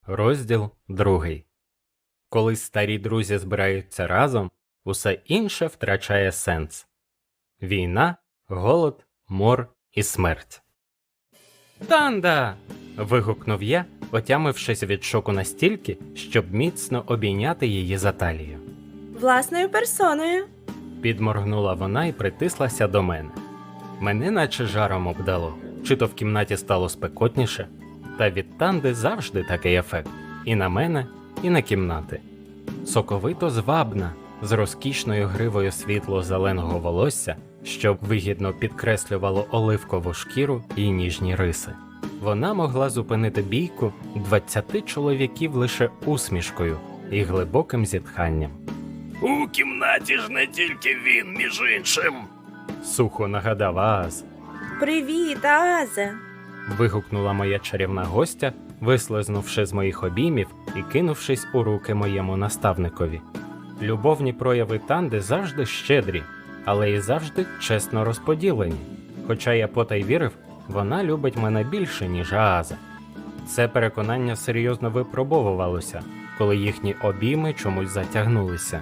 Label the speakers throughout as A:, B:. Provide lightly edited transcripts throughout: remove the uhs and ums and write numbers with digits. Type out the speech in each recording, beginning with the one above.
A: Розділ 2. Коли старі друзі збираються разом, усе інше втрачає сенс. Війна, голод, мор і смерть. «Танда!» – вигукнув я, отямившись від шоку настільки, щоб міцно обійняти її за талію.
B: Власною персоною.
A: Підморгнула вона і притислася до мене. Мене наче жаром обдало, чи то в кімнаті стало спекотніше, та від Танди завжди такий ефект. І на мене, і на кімнати. Соковито звабна, з розкішною гривою світло-зеленого волосся, що вигідно підкреслювало оливкову шкіру і ніжні риси. Вона могла зупинити бійку 20 чоловіків лише усмішкою і глибоким зітханням.
C: У кімнаті ж не тільки він, між іншим.
A: Сухо нагадав Ааз.
B: Привіт, Азе.
A: Вигукнула моя чарівна гостя, вислизнувши з моїх обіймів і кинувшись у руки моєму наставникові. Любовні прояви Танди завжди щедрі, але і завжди чесно розподілені. Хоча я потай вірив, вона любить мене більше, ніж Ааза. Це переконання серйозно випробовувалося, коли їхні обійми чомусь затягнулися.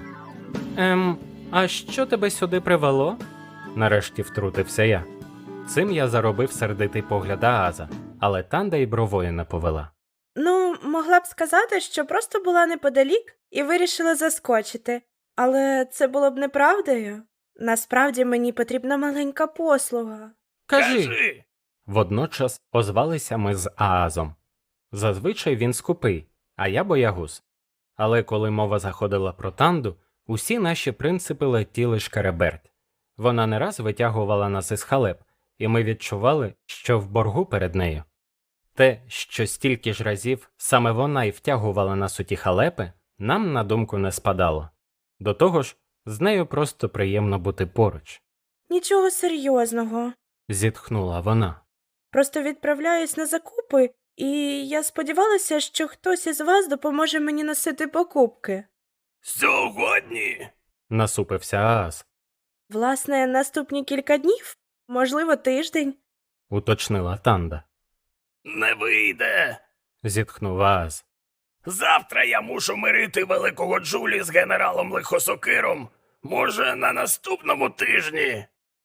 A: А що тебе сюди привело?» Нарешті втрутився я. Цим я заробив сердитий погляд Ааза, але Танда й бровою не повела.
B: Могла б сказати, що просто була неподалік і вирішила заскочити. Але це було б неправдою. Насправді мені потрібна маленька послуга.
A: Кажи! Водночас озвалися ми з Аазом. Зазвичай він скупий, а я боягуз. Але коли мова заходила про Танду, усі наші принципи летіли шкереберть. Вона не раз витягувала нас із халеп, і ми відчували, що в боргу перед нею. Те, що стільки ж разів саме вона й втягувала нас у ті халепи, нам на думку не спадало. До того ж, з нею просто приємно бути поруч.
B: Нічого серйозного.
A: Зітхнула вона.
B: Просто відправляюсь на закупи, і я сподівалася, що хтось із вас допоможе мені носити покупки.
C: Сьогодні?
A: Насупився Ааз.
B: Власне, наступні кілька днів, можливо, тиждень.
A: Уточнила Танда.
C: Не вийде.
A: Зітхнув Ааз.
C: Завтра я мушу мирити великого Джулі з генералом Лихосокиром. Може, на наступному тижні?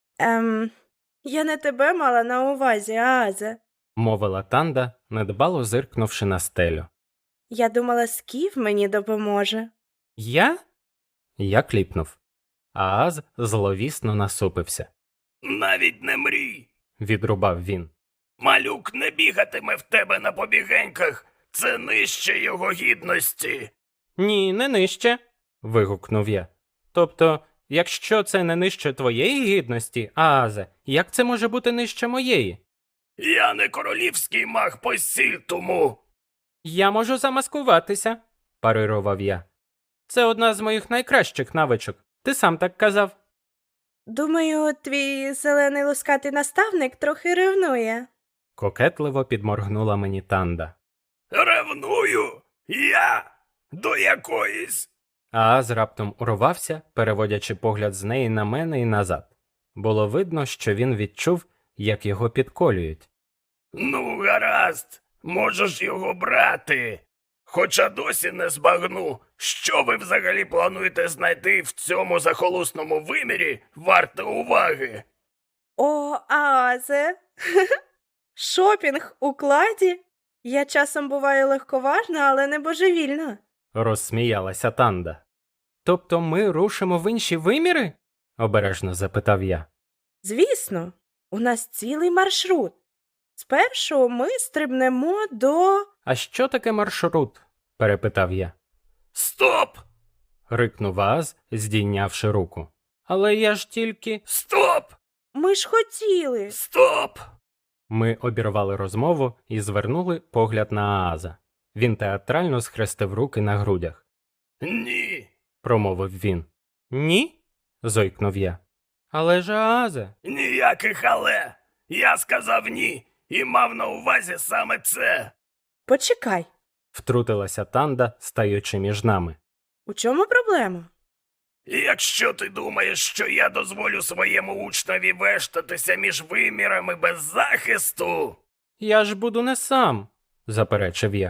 B: Я не тебе мала на увазі, Азе.
A: Мовила Танда, недбало зиркнувши на стелю.
B: Я думала, Скіф мені допоможе.
A: Я? Я кліпнув. Ааз зловісно насупився.
C: Навіть не мрій.
A: Відрубав він.
C: Малюк не бігатиме в тебе на побігеньках. Це нижче його гідності.
A: Ні, не нижче. Вигукнув я. Тобто, якщо це не нижче твоєї гідності, Аазе, як це може бути нижче моєї?
C: Я не королівський маг посіль тому.
A: Я можу замаскуватися, парирував я. Це одна з моїх найкращих навичок. Ти сам так казав.
B: Думаю, твій зелений лускатий наставник трохи ревнує.
A: Кокетливо підморгнула мені Танда.
C: Ревную? Я? До якоїсь?
A: Ааз раптом урвався, переводячи погляд з неї на мене і назад. Було видно, що він відчув, як його підколюють.
C: Ну, гаразд, можеш його брати. Хоча досі не збагну, що ви взагалі плануєте знайти в цьому захолусному вимірі варте уваги.
B: О, Азе! Шопінг у кладі? Я часом буваю легковажна, але не божевільна.
A: Розсміялася Танда. Тобто ми рушимо в інші виміри? Обережно запитав я.
B: Звісно, у нас цілий маршрут. Спершу ми стрибнемо до...
A: А що таке маршрут? Перепитав я.
C: Стоп!
A: Рикнув Ааз, здійнявши руку. Але я ж тільки...
C: Стоп!
B: Ми ж хотіли.
C: Стоп!
A: Ми обірвали розмову і звернули погляд на Ааза. Він театрально схрестив руки на грудях.
C: Ні.
A: Промовив він. Ні? Зойкнув я. Але ж Аазе.
C: Ніяких але. Я сказав ні і мав на увазі саме це.
B: Почекай,
A: Втрутилася Танда, стаючи між нами.
B: у чому проблема?
C: Якщо ти думаєш, що я дозволю своєму учневі вештатися між вимірами без захисту...
A: Я ж буду не сам, заперечив я.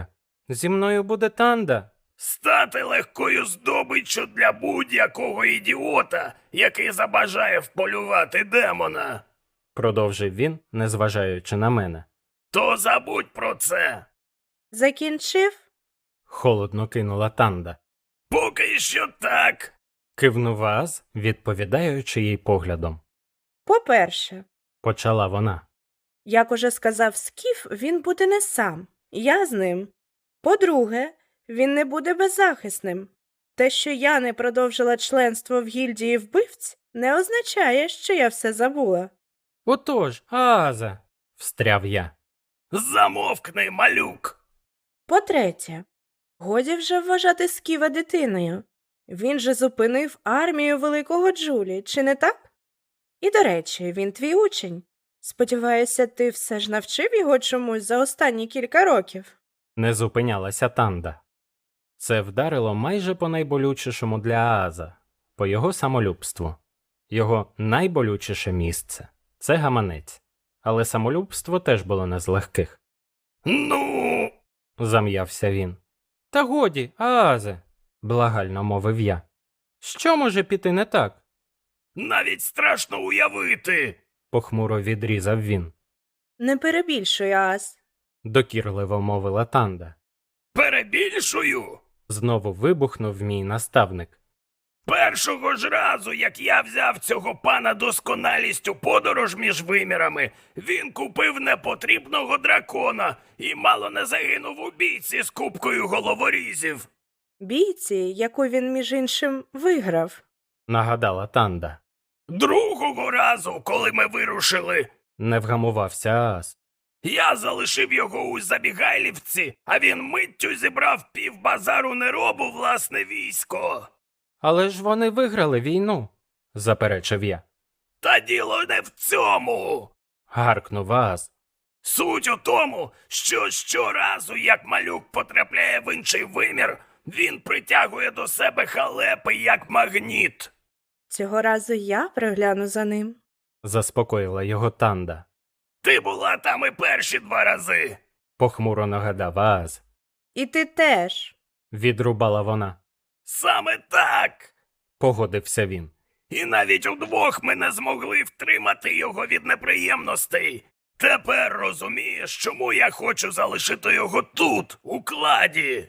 A: Зі мною буде Танда.
C: Стати легкою здобиччю для будь-якого ідіота, який забажає вполювати демона.
A: Продовжив він, незважаючи на мене.
C: То забудь про це.
B: Закінчив?
A: Холодно кинула Танда.
C: Поки що так.
A: Кивнув Ааз, відповідаючи їй поглядом.
B: По-перше,
A: Почала вона.
B: як уже сказав Скіф, він буде не сам. Я з ним. По-друге, він не буде беззахисним. Те, що я не продовжила членство в гільдії вбивць, не означає, що я все забула.
A: Отож, Ааза, встряв я.
C: Замовкни, малюк.
B: По-третє, годі вже вважати Сківа дитиною. Він же зупинив армію великого Джулі, чи не так? І, до речі, він твій учень. Сподіваюся, ти все ж навчив його чомусь за останні кілька років.
A: Не зупинялася Танда. Це вдарило майже по найболючішому для Ааза, по його самолюбству. Його найболючіше місце – це гаманець. Але самолюбство теж було не з легких.
C: Ну,
A: Зам'явся він. Та годі, Аазе, благально мовив я. Що може піти не так?
C: навіть страшно уявити.
A: Похмуро відрізав він.
B: Не перебільшуй, Аас.
A: Докірливо мовила Танда.
C: Перебільшую.
A: Знову вибухнув мій наставник.
C: Першого ж разу, як я взяв цього пана досконалість у подорож між вимірами, він купив непотрібного дракона і мало не загинув у бійці з купкою головорізів.
B: Бійці, яку він, між іншим, виграв.
A: Нагадала Танда.
C: Другого разу, коли ми вирушили,
A: Не вгамувався Ааз.
C: я залишив його у Забігайлівці, а він миттю зібрав півбазару неробу власне військо.
A: Але ж вони виграли війну, заперечив я.
C: Та діло не в цьому.
A: Гаркнув Ааз.
C: Суть у тому, що щоразу, як малюк потрапляє в інший вимір, він притягує до себе халепи як магніт.
B: Цього разу я пригляну за ним.
A: Заспокоїла його Танда.
C: Ти була там і перші 2 рази.
A: Похмуро нагадав Ааз.
B: І ти теж.
A: Відрубала вона.
C: Саме так.
A: Погодився він.
C: І навіть удвох ми не змогли втримати його від неприємностей. Тепер розумієш, чому я хочу залишити його тут, у кладі.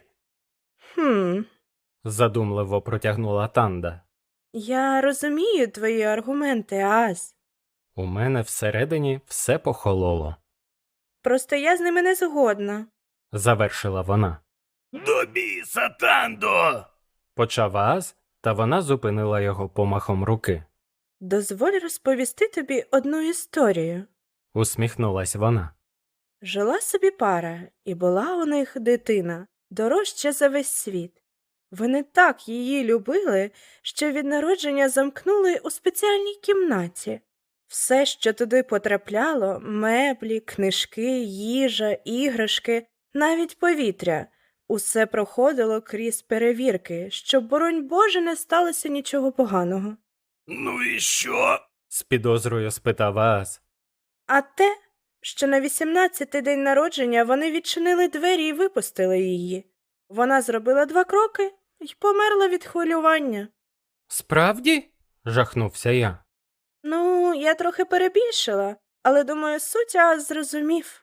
A: Задумливо протягнула Танда.
B: Я розумію твої аргументи, Аас.
A: У мене всередині все похололо.
B: Просто я з ними не згодна.
A: Завершила вона.
C: До біса, Тандо!
A: Почав Ааз, та вона зупинила його помахом руки.
B: Дозволь розповісти тобі одну історію.
A: Усміхнулась вона.
B: Жила собі пара, і була у них дитина, дорожча за весь світ. Вони так її любили, що від народження замкнули у спеціальній кімнаті. Все, що туди потрапляло – меблі, книжки, їжа, іграшки, навіть повітря – усе проходило крізь перевірки, щоб, боронь Боже, не сталося нічого поганого.
C: Ну і що?
A: З підозрою спитав Ааз.
B: А те, що на 18-й день народження вони відчинили двері і випустили її. Вона зробила 2 кроки і померла від хвилювання.
A: Справді? Жахнувся я.
B: Ну, я трохи перебільшила, але, думаю, суть Ааз зрозумів.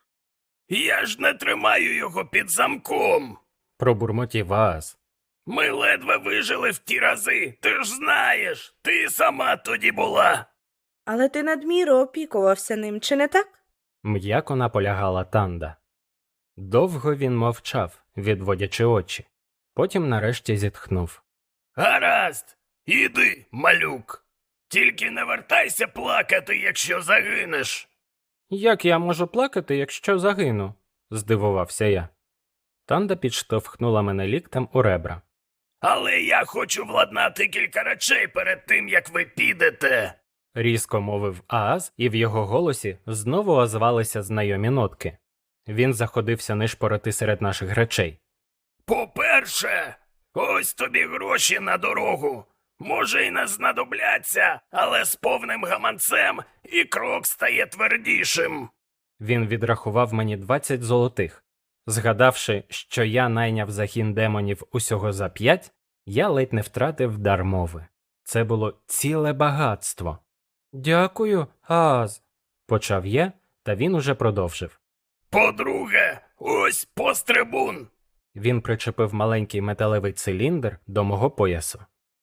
C: Я ж не тримаю його під замком.
A: Пробурмотів Ааз.
C: Ми ледве вижили в ті рази, ти ж знаєш, ти сама тоді була.
B: Але ти надміру опікувався ним, чи не так?
A: М'яко наполягала Танда. Довго він мовчав, відводячи очі. Потім нарешті зітхнув.
C: Гаразд, іди, малюк. Тільки не вертайся плакати, якщо загинеш.
A: Як я можу плакати, якщо загину? Здивувався я. Танда підштовхнула мене ліктем у ребра.
C: Але я хочу владнати кілька речей перед тим, як ви підете.
A: Різко мовив Ааз, і в його голосі знову озвалися знайомі нотки. Він заходився нишпорити серед наших речей.
C: По-перше, ось тобі гроші на дорогу. Може й не знадобляться, але з повним гаманцем і крок стає твердішим.
A: Він відрахував мені 20 золотих. Згадавши, що я найняв загін демонів усього за 5, я ледь не втратив дар мови. Це було ціле багатство. Дякую, Аз, почав я, та він уже продовжив.
C: По-друге, ось пострибун.
A: Він причепив маленький металевий циліндр до мого поясу.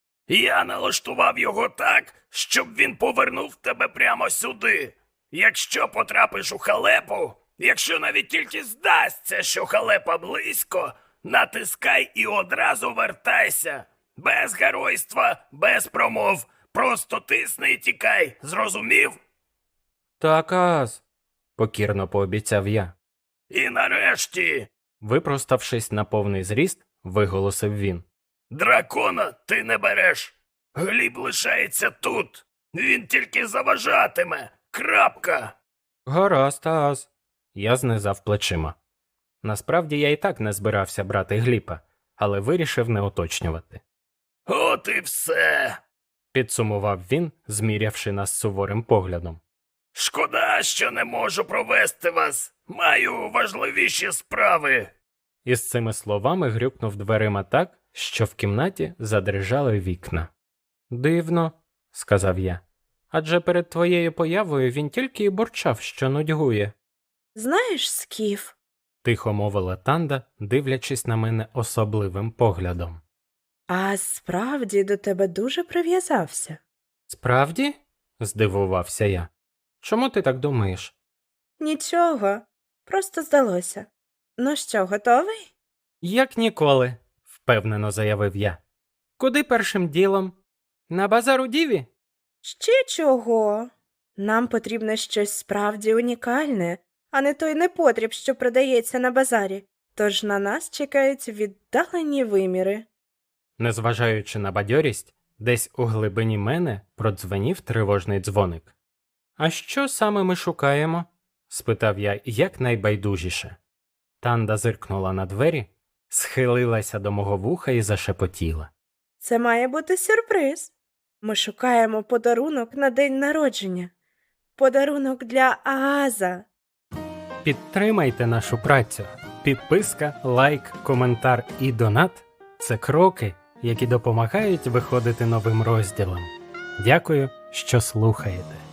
C: Я налаштував його так, щоб він повернув тебе прямо сюди. Якщо потрапиш у халепу, якщо навіть тільки здасться, що халепа близько, натискай і одразу вертайся. Без геройства, без промов. Просто тисни і тікай, зрозумів?
A: Так, Аз, покірно пообіцяв я.
C: І нарешті,
A: Випроставшись на повний зріст, виголосив він.
C: дракона ти не береш. Гліб лишається тут. Він тільки заважатиме. Крапка.
A: Гаразд, Аз. Я знизав плечима. Насправді я і так не збирався брати Гліпа, але вирішив не уточнювати.
C: От і все.
A: Підсумував він, змірявши нас суворим поглядом.
C: Шкода, що не можу провести вас. Маю важливіші справи.
A: Із цими словами грюкнув дверима так, що в кімнаті задрижали вікна. Дивно, сказав я. Адже перед твоєю появою він тільки й бурчав, що нудьгує.
B: Знаєш, Скіф,
A: Тихо мовила Танда, дивлячись на мене особливим поглядом.
B: а справді до тебе дуже прив'язався.
A: Справді? Здивувався я. Чому ти так думаєш?
B: Нічого, просто здалося. Ну що, готовий?
A: Як ніколи, впевнено заявив я. Куди першим ділом? На базар у Діві?
B: Ще чого? Нам потрібно щось справді унікальне, а не той непотріб, що продається на базарі. Тож на нас чекають віддалені виміри.
A: Незважаючи на бадьорість, десь у глибині мене продзвенів тривожний дзвоник. А що саме ми шукаємо? Спитав я якнайбайдужіше. Танда зиркнула на двері, схилилася до мого вуха і зашепотіла.
B: Це має бути сюрприз. Ми шукаємо подарунок на день народження. Подарунок для Ааза.
A: Підтримайте нашу працю. Підписка, лайк, коментар і донат – це кроки, які допомагають виходити новим розділам. Дякую, що слухаєте.